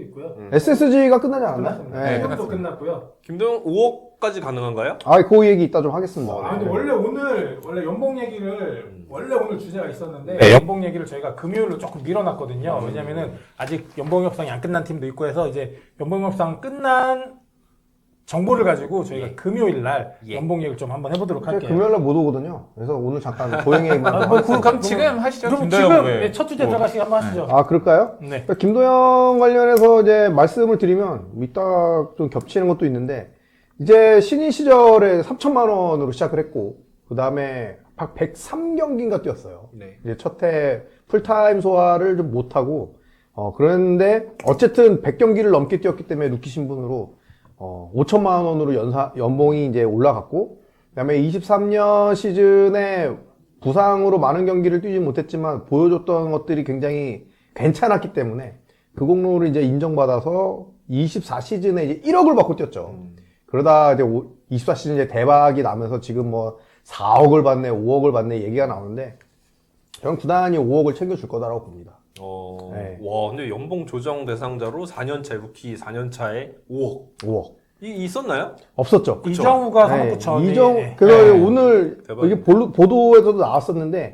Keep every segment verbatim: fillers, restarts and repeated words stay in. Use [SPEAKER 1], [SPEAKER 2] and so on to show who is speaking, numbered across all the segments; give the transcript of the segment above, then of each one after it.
[SPEAKER 1] 있고요.
[SPEAKER 2] 음.
[SPEAKER 3] 에스에스지가 끝나지 않았나?
[SPEAKER 1] 끝났습니다.
[SPEAKER 2] 네,
[SPEAKER 1] 네,
[SPEAKER 2] 끝났습니다.
[SPEAKER 1] 끝났고요.
[SPEAKER 2] 김도영 오억까지 가능한가요?
[SPEAKER 3] 아, 그 얘기 이따 좀 하겠습니다.
[SPEAKER 1] 아 근데 원래 오늘 원래 연봉 얘기를
[SPEAKER 2] 음.
[SPEAKER 1] 원래 오늘 주제가 있었는데
[SPEAKER 2] 네.
[SPEAKER 1] 연봉 얘기를 저희가 금요일로 조금 밀어놨거든요. 왜냐면은 아직 연봉 협상이 안 끝난 팀도 있고 해서 이제 연봉 협상 끝난 정보를 가지고 저희가
[SPEAKER 2] 예.
[SPEAKER 1] 금요일 날
[SPEAKER 2] 예.
[SPEAKER 1] 연봉 얘기를 좀 한번 해보도록
[SPEAKER 3] 제가
[SPEAKER 1] 할게요.
[SPEAKER 3] 금요일날 못 오거든요. 그래서 오늘 잠깐 도영 얘기만
[SPEAKER 1] 아,
[SPEAKER 3] 좀
[SPEAKER 1] 뭐,
[SPEAKER 3] 하겠습니다.
[SPEAKER 1] 그럼
[SPEAKER 4] 그럼 지금 하시죠.
[SPEAKER 1] 그럼
[SPEAKER 4] 김도영.
[SPEAKER 1] 지금
[SPEAKER 4] 왜?
[SPEAKER 1] 네, 첫 주제 들어가시고 한번 하시죠.
[SPEAKER 3] 아, 그럴까요?
[SPEAKER 1] 네.
[SPEAKER 3] 그러니까 김도영 관련해서 이제 말씀을 드리면 이따 좀 겹치는 것도 있는데 이제 신인 시절에 삼천만 원으로 시작을 했고 그 다음에 백삼 경기인가 뛰었어요.
[SPEAKER 2] 네.
[SPEAKER 3] 이제 첫해 풀타임 소화를 좀 못하고 어 그랬는데 어쨌든 백 경기를 넘게 뛰었기 때문에 루키 신분으로 어 오천만 원으로 연사 연봉이 이제 올라갔고 그다음에 이십삼 년 시즌에 부상으로 많은 경기를 뛰지 못했지만 보여줬던 것들이 굉장히 괜찮았기 때문에 그 공로를 이제 인정받아서 이십사 시즌에 이제 일억을 받고 뛰었죠.
[SPEAKER 2] 음.
[SPEAKER 3] 그러다 이제 이십사 시즌 이제 대박이 나면서 지금 뭐 사억을 받네, 오억을 받네 얘기가 나오는데 저는 구단이 오억을 챙겨줄 거다라고 봅니다.
[SPEAKER 2] 어,
[SPEAKER 3] 네.
[SPEAKER 2] 와, 근데 연봉 조정 대상자로 사 년 차 루키 사 년 차에 오억.
[SPEAKER 3] 오억.
[SPEAKER 2] 이 있었나요?
[SPEAKER 3] 없었죠.
[SPEAKER 2] 그쵸.
[SPEAKER 1] 이정우가
[SPEAKER 3] 네,
[SPEAKER 1] 삼억 구천.
[SPEAKER 3] 이정,
[SPEAKER 1] 네.
[SPEAKER 3] 그래서
[SPEAKER 4] 네.
[SPEAKER 3] 오늘
[SPEAKER 2] 대박이네.
[SPEAKER 3] 이게 볼- 보도에서도 나왔었는데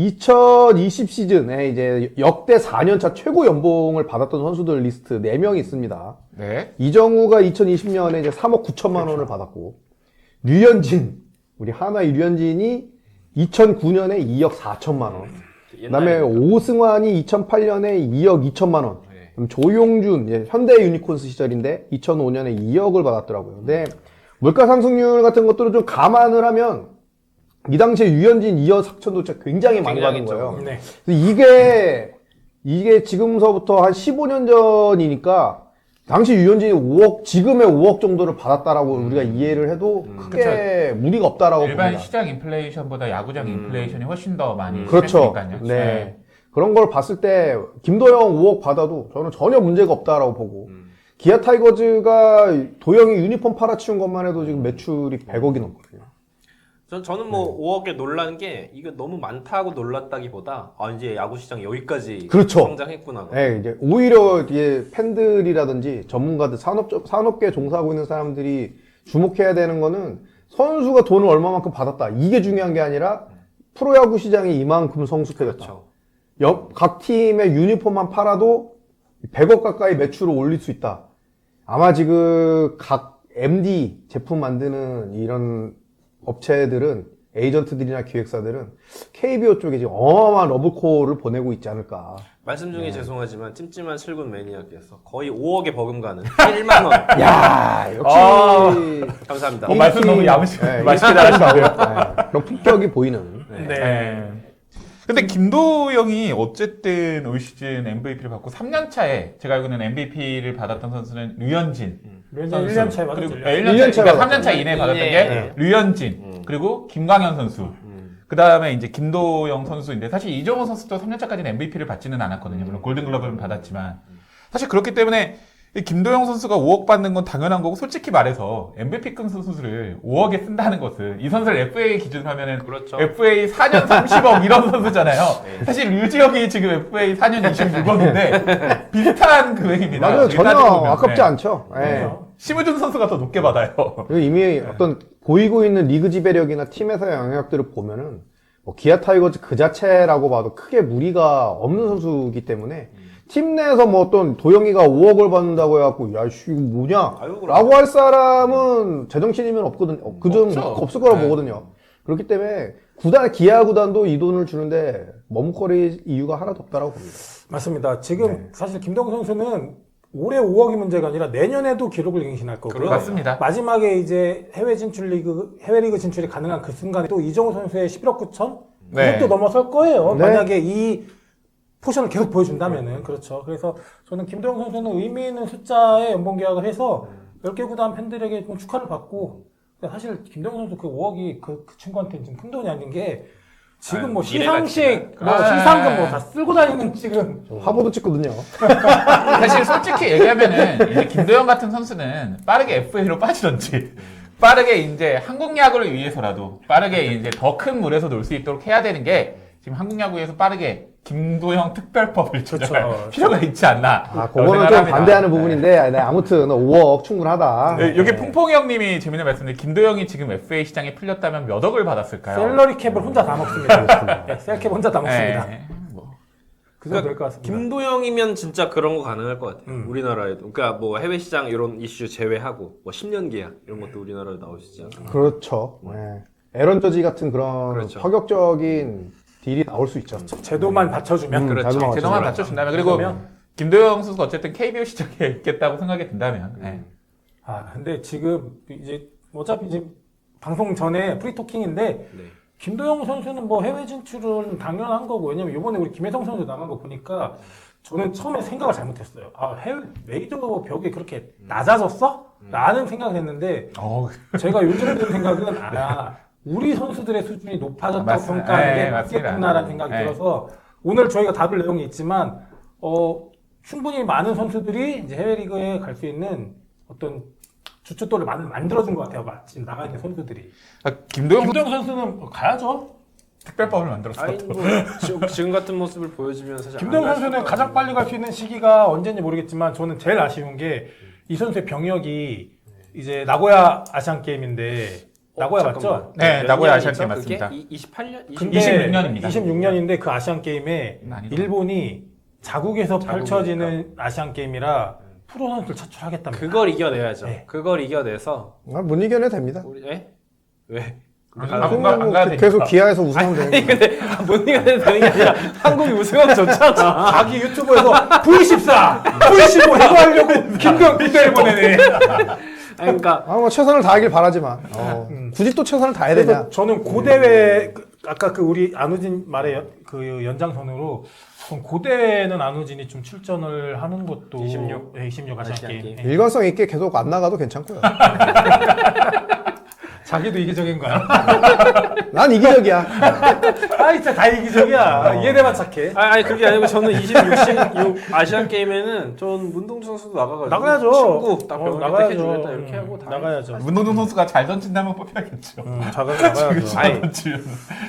[SPEAKER 3] 이천이십 시즌에 이제 역대 사 년 차 최고 연봉을 받았던 선수들 리스트 네 명이 있습니다.
[SPEAKER 4] 네.
[SPEAKER 3] 이정우가 이천이십 년에 이제 삼억 구천만 원을 받았고 류현진, 우리 하나의 류현진이 이천구 년에 이억 사천만 원. 그다음에
[SPEAKER 2] 옛날에
[SPEAKER 3] 오승환이 이천팔 년에 이억 이천만 원.
[SPEAKER 2] 네.
[SPEAKER 3] 그럼 조용준, 예, 현대 유니콘스 시절인데 이천오 년에 이억을 받았더라고요. 근데 물가 상승률 같은 것들을 좀 감안을 하면 이 당시에 유현진 이억 사천도 진짜 굉장히 많이 받은
[SPEAKER 2] 굉장히
[SPEAKER 3] 거예요.
[SPEAKER 1] 네.
[SPEAKER 3] 근데 이게 이게 지금서부터 한 십오 년 전이니까 당시 유현진이 오억, 지금의 오억 정도를 받았다라고 우리가 이해를 해도
[SPEAKER 2] 음.
[SPEAKER 3] 크게 무리가 없다라고
[SPEAKER 4] 일반
[SPEAKER 3] 봅니다.
[SPEAKER 4] 시장 인플레이션보다 야구장
[SPEAKER 2] 음.
[SPEAKER 4] 인플레이션이 훨씬 더 많이
[SPEAKER 3] 그렇죠.
[SPEAKER 4] 심했으니까요.
[SPEAKER 3] 네. 그런 걸 봤을 때 김도영 오억 받아도 저는 전혀 문제가 없다라고 보고
[SPEAKER 2] 음.
[SPEAKER 3] 기아 타이거즈가 도영이 유니폼 팔아치운 것만 해도 지금 매출이 백억이 넘거든요.
[SPEAKER 2] 전, 저는 뭐 오억에 놀란 게 이거 너무 많다고 놀랐다기보다 아 이제 야구 시장 여기까지
[SPEAKER 3] 그렇죠.
[SPEAKER 2] 성장했구나.
[SPEAKER 3] 네, 이제 오히려 이게 팬들이라든지 전문가들 산업 산업계 종사하고 있는 사람들이 주목해야 되는 거는 선수가 돈을 얼마만큼 받았다 이게 중요한 게 아니라 프로야구 시장이 이만큼 성숙해졌다.
[SPEAKER 2] 그렇죠.
[SPEAKER 3] 옆, 각 팀의 유니폼만 팔아도 백억 가까이 매출을 올릴 수 있다. 아마 지금 각 엠디 제품 만드는 이런 업체들은 에이전트들이나 기획사들은 케이비오 쪽에 지금 어마어마한 러브콜을 보내고 있지 않을까.
[SPEAKER 2] 말씀
[SPEAKER 3] 네.
[SPEAKER 2] 중에 죄송하지만 찜찜한 슬군 매니아께서 거의 오억에 버금가는 일만 원.
[SPEAKER 3] 야 역시.
[SPEAKER 4] 아.
[SPEAKER 2] 감사합니다.
[SPEAKER 4] 어, 말씀 너무 야무시,
[SPEAKER 3] 네,
[SPEAKER 4] 맛있게 잘하시는데요.
[SPEAKER 3] 네, 그런 품격이 보이는.
[SPEAKER 2] 네.
[SPEAKER 1] 네.
[SPEAKER 4] 네. 근데 김도영이 어쨌든 올 시즌 엠브이피를 받고 삼 년 차에 제가 알기로는 엠브이피를 받았던 선수는 류현진
[SPEAKER 1] 류현진
[SPEAKER 4] 선수.
[SPEAKER 1] 일 년 차에 받았죠.
[SPEAKER 4] 그리고
[SPEAKER 1] 일 년.
[SPEAKER 4] 일 년
[SPEAKER 3] 일 년
[SPEAKER 4] 차,
[SPEAKER 3] 차에
[SPEAKER 4] 그러니까 삼 년 차
[SPEAKER 2] 받았죠.
[SPEAKER 4] 이내에 받았던
[SPEAKER 2] 예,
[SPEAKER 4] 게
[SPEAKER 2] 예.
[SPEAKER 4] 류현진
[SPEAKER 2] 음.
[SPEAKER 4] 그리고 김광현 선수
[SPEAKER 2] 음.
[SPEAKER 4] 그 다음에 이제 김도영 선수인데 사실 이정우 선수도 삼 년 차까지는 엠브이피를 받지는 않았거든요. 물론 골든글러브는 받았지만 사실 그렇기 때문에 이 김도영 선수가 오억 받는 건 당연한 거고 솔직히 말해서 엠브이피급 선수를 오억에 쓴다는 것은 이 선수를 에프에이 기준으로 하면은
[SPEAKER 2] 그렇죠.
[SPEAKER 4] 에프에이 사 년 삼십억 이런 선수잖아요.
[SPEAKER 2] 네.
[SPEAKER 4] 사실 류지혁이 지금 에프에이 사 년 이십육억인데 비슷한 금액입니다.
[SPEAKER 3] 맞아요. 전혀
[SPEAKER 4] 따지고 보면.
[SPEAKER 3] 아깝지
[SPEAKER 4] 네.
[SPEAKER 3] 않죠. 예.
[SPEAKER 1] 그렇죠.
[SPEAKER 4] 심우준 선수가 더 높게 받아요.
[SPEAKER 3] 그리고 이미 어떤 보이고 있는 리그 지배력이나 팀에서의 영향력들을 보면은 뭐 기아 타이거즈 그 자체라고 봐도 크게 무리가 없는 선수이기 때문에 팀 내에서 뭐 어떤 도영이가 오억을 받는다고 해갖고 야씨 이거 뭐냐
[SPEAKER 2] 아유, 그럼.
[SPEAKER 3] 라고 할 사람은 제정신이면 없거든 어, 그중
[SPEAKER 4] 없죠.
[SPEAKER 3] 없을 거라고
[SPEAKER 4] 네.
[SPEAKER 3] 보거든요. 그렇기 때문에 구단 기아 구단도 이 돈을 주는데 머뭇거릴 이유가 하나도 없다라고 봅니다.
[SPEAKER 1] 맞습니다. 지금
[SPEAKER 3] 네.
[SPEAKER 1] 사실 김동국 선수는 올해 오억이 문제가 아니라 내년에도 기록을 갱신할 거고요.
[SPEAKER 2] 그래요.
[SPEAKER 4] 맞습니다.
[SPEAKER 1] 마지막에 이제 해외 진출 리그, 해외 리그 진출이 가능한 그 순간에 또 이정우 선수의 십일억 구천?
[SPEAKER 4] 네.
[SPEAKER 1] 그것도 넘어설 거예요.
[SPEAKER 3] 네.
[SPEAKER 1] 만약에 이 포션을 계속 보여준다면은. 그렇죠. 그래서 저는 김동국 선수는 의미 있는 숫자의 연봉 계약을 해서 열 개 구단 팬들에게 좀 축하를 받고 근데 사실 김동국 선수 그 오억이 그, 그 친구한테는 지금 큰 돈이 아닌 게 지금
[SPEAKER 2] 아유,
[SPEAKER 1] 뭐
[SPEAKER 2] 미래가
[SPEAKER 1] 시상식, 뭐
[SPEAKER 4] 아,
[SPEAKER 1] 시상금
[SPEAKER 4] 아,
[SPEAKER 1] 뭐 다 쓸고 다니는 지금
[SPEAKER 3] 화보도 찍거든요.
[SPEAKER 4] 사실 솔직히 얘기하면은 이제 김도영 같은 선수는 빠르게 에프에이로 빠지던지 빠르게 이제 한국 야구를 위해서라도 빠르게 이제 더 큰 물에서 놀 수 있도록 해야 되는 게 지금 한국 야구에서 빠르게 김도영 특별법을 제정할
[SPEAKER 1] 그렇죠.
[SPEAKER 4] 필요가 있지 않나.
[SPEAKER 3] 아, 그거는 좀 반대하는 부분인데, 네, 아무튼 오억 충분하다.
[SPEAKER 4] 네, 여기 퐁퐁이 형님이 재밌는 말씀인데 김도영이 지금 에프에이 시장에 풀렸다면 몇 억을 받았을까요?
[SPEAKER 1] 샐러리 캡을 혼자 다 먹습니다. 네, 셀캡 혼자 다 먹습니다.
[SPEAKER 4] 네, 뭐.
[SPEAKER 1] 그 정도 될 것 같습니다.
[SPEAKER 2] 김도영이면 진짜 그런 거 가능할 것 같아요.
[SPEAKER 1] 음.
[SPEAKER 2] 우리나라에도. 그러니까 뭐 해외 시장 이런 이슈 제외하고 뭐 십 년 계약 이런 것도 우리나라에 나오시지 않나요?
[SPEAKER 3] 그렇죠. 네. 에런 저지 같은 그런
[SPEAKER 2] 그렇죠.
[SPEAKER 3] 파격적인 딜이 나올 수 있죠.
[SPEAKER 1] 제도만 받쳐주면
[SPEAKER 3] 음,
[SPEAKER 2] 그렇죠.
[SPEAKER 3] 자동화
[SPEAKER 4] 제도만
[SPEAKER 3] 맞춰주면.
[SPEAKER 4] 받쳐준다면 그리고
[SPEAKER 1] 그러면?
[SPEAKER 4] 김도영 선수가 어쨌든 케이비오 시장에 있겠다고 생각이 든다면 네.
[SPEAKER 1] 아 근데 지금 이제 어차피 이제 방송 전에 프리토킹인데
[SPEAKER 2] 네.
[SPEAKER 1] 김도영 선수는 뭐 해외 진출은 당연한 거고 왜냐면 이번에 우리 김혜성 선수 나간 거 보니까 저는 처음에 생각을 잘못했어요. 아 해외 메이저 벽이 그렇게 낮아졌어? 라는 생각을 했는데
[SPEAKER 4] 어우,
[SPEAKER 1] 제가 요즘 든 생각은 아 우리 선수들의 수준이 높아졌다고
[SPEAKER 4] 맞습-
[SPEAKER 1] 평가하는 게
[SPEAKER 4] 네, 맞습니다.
[SPEAKER 1] 맞겠구나라는 생각이
[SPEAKER 4] 네.
[SPEAKER 1] 들어서 오늘 저희가 다룰 내용이 있지만 어 충분히 많은 선수들이 이제 해외 리그에 갈 수 있는 어떤 주춧돌을 만, 만들어준 것 같아요. 지금 나가 있는 선수들이.
[SPEAKER 4] 아, 김도영 선수
[SPEAKER 1] 김도영 선수는 가야죠.
[SPEAKER 4] 특별법을 만들었어.
[SPEAKER 2] 아니 뭐 지금, 지금 같은 모습을 보여주면 사실
[SPEAKER 1] 김도영
[SPEAKER 2] 안갈
[SPEAKER 1] 선수는
[SPEAKER 2] 수가
[SPEAKER 1] 가장 빨리 갈 수 있는 시기가 언제인지 모르겠지만 저는 제일 아쉬운 게 이 선수의 병역이 이제 나고야 아시안 게임인데 나고야 맞죠?
[SPEAKER 2] 잠깐만.
[SPEAKER 4] 네,
[SPEAKER 2] 몇
[SPEAKER 4] 나고야
[SPEAKER 2] 년이죠?
[SPEAKER 4] 아시안 게임
[SPEAKER 2] 그게?
[SPEAKER 4] 맞습니다.
[SPEAKER 2] 이- 이십팔 년?
[SPEAKER 1] 근데
[SPEAKER 4] 이십육 년입니다.
[SPEAKER 1] 이십육 년인데 그 아시안 게임에
[SPEAKER 4] 많이
[SPEAKER 1] 일본이 자국에서
[SPEAKER 2] 자국이니까.
[SPEAKER 1] 펼쳐지는 아시안 게임이라 프로 선수를 차출하겠답니다.
[SPEAKER 2] 그걸 이겨내야죠.
[SPEAKER 1] 네.
[SPEAKER 2] 그걸 이겨내서
[SPEAKER 3] 아, 못 이겨내 됩니다.
[SPEAKER 2] 우리 에? 왜?
[SPEAKER 4] 아,
[SPEAKER 2] 가-
[SPEAKER 4] 안 가- 안 가야 되니까.
[SPEAKER 3] 계속 기아에서 우승하면 되는
[SPEAKER 2] 아니
[SPEAKER 3] 거예요.
[SPEAKER 2] 근데 못 이겨내도 되는 게 아니라 한국이 우승하면 좋잖아.
[SPEAKER 1] 자기 유튜브에서 브이 십사, 브이 십오 이거 하려고 김도영 군대를 보내네.
[SPEAKER 2] 아니, 그러니까
[SPEAKER 3] 아, 뭐 최선을 다하길 바라지만 어, 굳이 또 최선을 다해야 되냐?
[SPEAKER 1] 그래서 저는 고대회 그- 아까 그 우리 안우진 말의 연- 그 연장선으로 그럼 고대회는 안우진이 좀 출전을 하는 것도
[SPEAKER 2] 이십육.
[SPEAKER 1] 네, 이십육 아시안
[SPEAKER 2] 아시안
[SPEAKER 1] 게임.
[SPEAKER 2] 게임.
[SPEAKER 1] 네.
[SPEAKER 3] 일관성 있게 계속 안 나가도 괜찮고요.
[SPEAKER 1] 자기도 이기적인 거야.
[SPEAKER 3] 난 이기적이야.
[SPEAKER 1] 아 진짜 다 이기적이야. 이해돼만 착해.
[SPEAKER 2] 아니, 아니 그게 아니고 저는 이십육, 십육 아시안 게임에는 전 문동주 선수도 나가가지고
[SPEAKER 1] 나가야죠.
[SPEAKER 2] 친구 딱
[SPEAKER 1] 어,
[SPEAKER 2] 병원에
[SPEAKER 1] 나가야죠.
[SPEAKER 2] 해주겠다 이렇게
[SPEAKER 1] 음,
[SPEAKER 2] 하고 다
[SPEAKER 1] 나가야죠.
[SPEAKER 4] 문동준 선수가 잘 던진다면 뽑혀야겠죠.
[SPEAKER 1] 음, 자가 나가야죠.
[SPEAKER 2] 아니,
[SPEAKER 4] 던지면.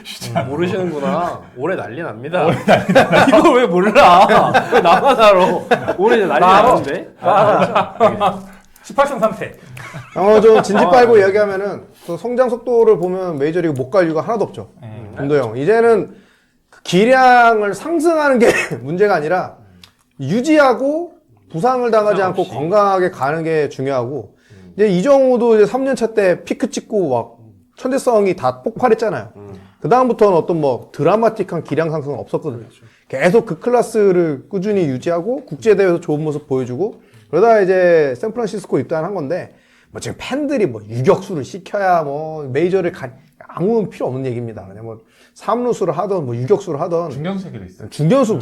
[SPEAKER 2] 모르시는구나. 올해 난리 납니다. 이걸 왜 몰라? 왜 나만 알아? 올해 난리
[SPEAKER 1] 나 알아.
[SPEAKER 2] 나는데?
[SPEAKER 1] 아, 십팔 승 삼 패.
[SPEAKER 3] 어, 좀 진지 빨고 이야기하면은 그 성장 속도를 보면 메이저리그 못 갈 이유가 하나도 없죠.
[SPEAKER 1] 네.
[SPEAKER 3] 김도영. 이제는 그 기량을 상승하는 게 문제가 아니라 유지하고 부상을 당하지
[SPEAKER 2] 부상
[SPEAKER 3] 않고
[SPEAKER 2] 없이.
[SPEAKER 3] 건강하게 가는 게 중요하고 이제 이정우도 이제 삼 년 차 때 피크 찍고 막 천재성이 다 폭발했잖아요. 그 다음부터는 어떤 뭐 드라마틱한 기량 상승은 없었거든요. 계속 그 클래스를 꾸준히 유지하고 국제대회에서 좋은 모습 보여주고 그러다 이제 샌프란시스코 입단한 건데 뭐 지금 팬들이 뭐 유격수를 시켜야 뭐 메이저를 가 아무 필요 없는 얘기입니다. 그냥 뭐 삼루수를 하던 뭐 유격수를 하던
[SPEAKER 4] 중견수기도 있어요.
[SPEAKER 3] 중견수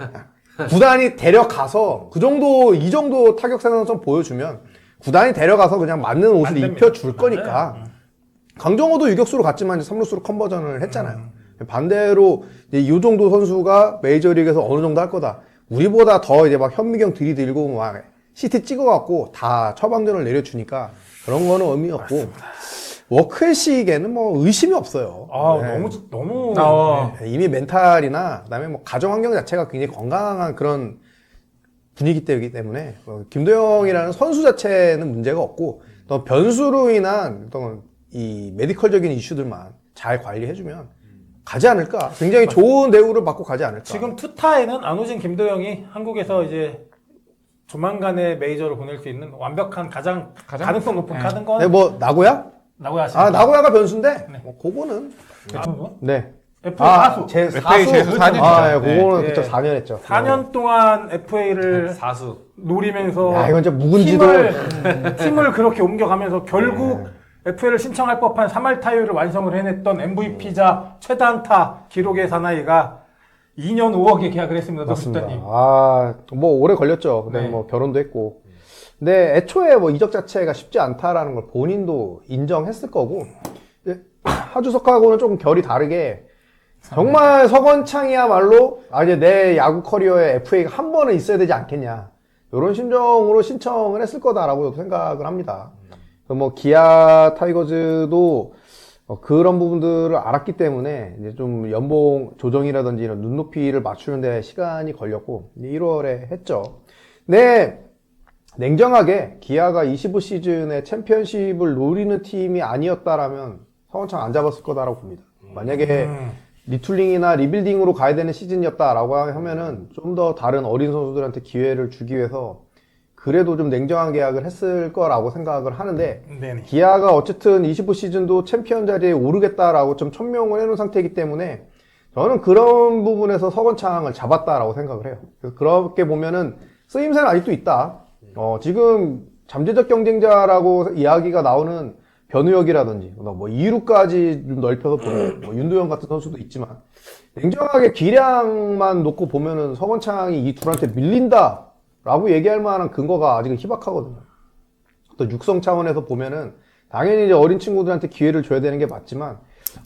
[SPEAKER 3] 구단이 데려가서 그 정도 이 정도 타격 생산성 보여주면 구단이 데려가서 그냥 맞는 옷을
[SPEAKER 1] 안 됩니다.
[SPEAKER 3] 입혀줄 거니까 강정호도 유격수로 갔지만 이제 삼루수로 컨버전을 했잖아요. 반대로 이제 이 정도 선수가 메이저리그에서 어느 정도 할 거다. 우리보다 더 이제 막 현미경 들이들고 막 시티 찍어갖고 다 처방전을 내려주니까 그런 거는 의미 없고 워크의식에는 뭐 의심이 없어요.
[SPEAKER 1] 아
[SPEAKER 3] 네.
[SPEAKER 1] 너무 너무
[SPEAKER 4] 어.
[SPEAKER 3] 네, 이미 멘탈이나 그다음에 뭐 가정 환경 자체가 굉장히 건강한 그런 분위기 때문에 어, 김도영이라는 선수 자체는 문제가 없고 또 변수로 인한 어떤 이 메디컬적인 이슈들만 잘 관리해주면 가지 않을까. 굉장히 좋은 대우를 받고 가지 않을까.
[SPEAKER 1] 지금 투타에는 안우진 김도영이 한국에서 이제 조만간에 메이저를 보낼 수 있는 완벽한 가장,
[SPEAKER 4] 가장-
[SPEAKER 1] 가능성 높은
[SPEAKER 4] 네.
[SPEAKER 1] 카드인 건
[SPEAKER 3] 네, 뭐 나고야?
[SPEAKER 1] 나고야
[SPEAKER 3] 아 나고야가 변수인데
[SPEAKER 1] 네.
[SPEAKER 3] 뭐 그거는
[SPEAKER 1] 아,
[SPEAKER 3] 네.
[SPEAKER 1] 에프에이
[SPEAKER 3] 아,
[SPEAKER 1] 사수
[SPEAKER 3] 제
[SPEAKER 4] 에프에이 제수 사 년이죠.
[SPEAKER 3] 아, 예,
[SPEAKER 4] 네.
[SPEAKER 3] 그거는
[SPEAKER 1] 네.
[SPEAKER 3] 그쵸 사 년 했죠.
[SPEAKER 1] 사 년 동안 에프에이를
[SPEAKER 2] 사수.
[SPEAKER 1] 노리면서
[SPEAKER 3] 야, 이건 진짜 묵은지도
[SPEAKER 1] 팀을, 팀을 그렇게 옮겨가면서 결국 에프에이를 신청할 법한 삼 할 타율을 완성을 해냈던 엠브이피자 최다 안타 기록의 사나이가 이 년 오억에 계약을 했습니다.
[SPEAKER 3] 맞습니다.
[SPEAKER 1] 노숙자님.
[SPEAKER 3] 아, 뭐 오래 걸렸죠. 그다음에
[SPEAKER 1] 네.
[SPEAKER 3] 뭐 결혼도 했고. 근데 애초에 뭐 이적 자체가 쉽지 않다라는 걸 본인도 인정했을 거고. 이제 하주석하고는 조금 결이 다르게 정말 서건창이야말로 아 이제 내 야구 커리어에 에프에이가 한 번은 있어야 되지 않겠냐. 이런 심정으로 신청을 했을 거다라고 생각을 합니다. 그래서 뭐 기아 타이거즈도 어, 그런 부분들을 알았기 때문에 이제 좀 연봉 조정이라든지 이런 눈높이를 맞추는데 시간이 걸렸고 일월에 했죠. 근데 냉정하게 기아가 이십오 시즌에 챔피언십을 노리는 팀이 아니었다라면 서건창 안 잡았을 거다라고 봅니다. 만약에
[SPEAKER 1] 음.
[SPEAKER 3] 리툴링이나 리빌딩으로 가야 되는 시즌이었다라고 하면은 좀 더 다른 어린 선수들한테 기회를 주기 위해서 그래도 좀 냉정한 계약을 했을 거라고 생각을 하는데
[SPEAKER 1] 네네.
[SPEAKER 3] 기아가 어쨌든 이십오 시즌도 챔피언 자리에 오르겠다라고 좀 천명을 해놓은 상태이기 때문에 저는 그런 부분에서 서건창을 잡았다라고 생각을 해요. 그래서 그렇게 보면은 쓰임새는 아직도 있다. 어, 지금 잠재적 경쟁자라고 이야기가 나오는 변우혁이라든지 뭐 이 루까지 좀 넓혀서 보면 뭐 윤도현 같은 선수도 있지만 냉정하게 기량만 놓고 보면은 서건창이 이 둘한테 밀린다. 라고 얘기할 만한 근거가 아직은 희박하거든요. 또 육성 차원에서 보면은 당연히 이제 어린 친구들한테 기회를 줘야 되는 게 맞지만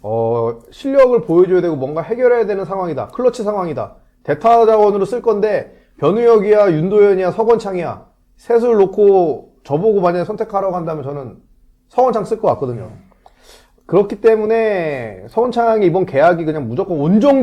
[SPEAKER 3] 어 실력을 보여줘야 되고 뭔가 해결해야 되는 상황이다. 클러치 상황이다. 대타 자원으로 쓸 건데 변우혁이야 윤도현이야 서건창이야 셋을 놓고 저보고 만약에 선택하라고 한다면 저는 서건창 쓸 것 같거든요. 그렇기 때문에 서건창이 이번 계약이 그냥 무조건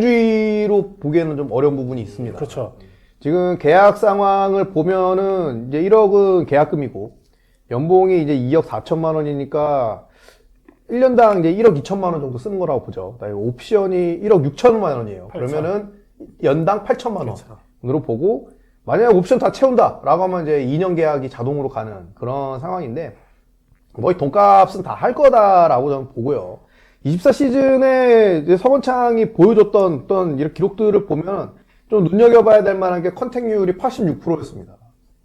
[SPEAKER 3] 온정주의로 보기에는 좀 어려운 부분이 있습니다.
[SPEAKER 1] 그렇죠.
[SPEAKER 3] 지금 계약 상황을 보면은 이제 일억은 계약금이고 연봉이 이제 이억 사천만 원이니까 일 년당 이제 일억 이천만 원 정도 쓰는 거라고 보죠. 그다음에 옵션이 일억 육천만 원이에요. 그러면은 연당 팔천만 원으로 보고 만약에 옵션 다 채운다라고 하면 이제 이 년 계약이 자동으로 가는 그런 상황인데 거의 돈값은 다 할 거다라고 저는 보고요. 이십사 시즌에 이제 서건창이 보여줬던 어떤 이런 기록들을 보면 좀 눈여겨봐야 될 만한 게 컨택률이 팔십육 퍼센트였습니다.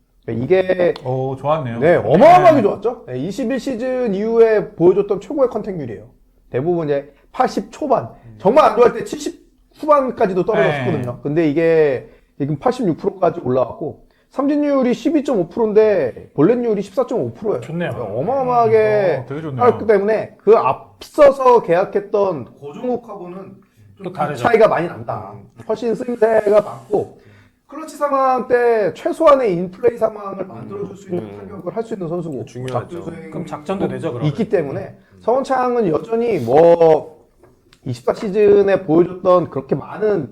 [SPEAKER 3] 이게
[SPEAKER 4] 오, 좋았네요.
[SPEAKER 3] 네, 어마어마하게 좋았죠. 네, 이십일 시즌 이후에 보여줬던 최고의 컨택률이에요. 대부분 이제 팔십 초반, 정말 안 좋아할 때 칠십 후반까지도 떨어졌거든요.
[SPEAKER 4] 네.
[SPEAKER 3] 근데 이게 지금 팔십육 퍼센트까지 올라왔고 삼진율이 십이 점 오 퍼센트인데 볼넷률이 십사 점 오 퍼센트예요.
[SPEAKER 1] 좋네요.
[SPEAKER 3] 어마어마하게
[SPEAKER 4] 어, 되게 좋네요.
[SPEAKER 3] 하기 때문에 그 앞서서 계약했던 고종욱하고는
[SPEAKER 1] 또 다르죠.
[SPEAKER 3] 차이가 많이 난다. 훨씬 쓰임새가 많고 클러치 상황 때 최소한의 인플레이 상황을 만들어줄 수 있는 타격을 할 수 있는 선수고
[SPEAKER 2] 중요하죠.
[SPEAKER 3] 작전 수행이
[SPEAKER 1] 그럼 작전도 되죠, 그러면.
[SPEAKER 3] 있기 때문에 서건창은 여전히 뭐 이십사 시즌에 보여줬던 그렇게 많은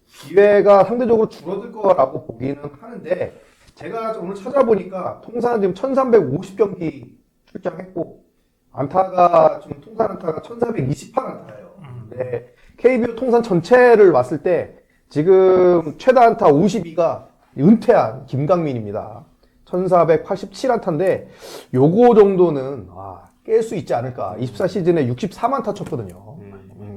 [SPEAKER 3] 기회가 상대적으로 줄어들 거라고 보기는 하는데 제가 오늘 찾아보니까 통산 지금 천삼백오십 경기 출장했고 안타가 지금 통산 안타가 천사백이십팔 안타예요. 네. 케이비오 통산 전체를 봤을 때 지금 최다 안타 오십이가 은퇴한 김강민입니다. 천사백팔십칠 안타인데 요거 정도는 아, 깰 수 있지 않을까. 이십사 시즌에 육십삼 안타 쳤거든요. 음.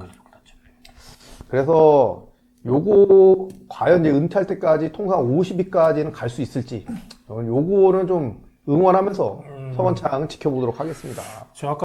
[SPEAKER 3] 그래서 요거 과연 이제 은퇴할 때까지 통산 오십위까지는 갈 수 있을지 저는 요거는 좀 응원하면서 서건창은 지켜보도록 하겠습니다.
[SPEAKER 1] 저 아까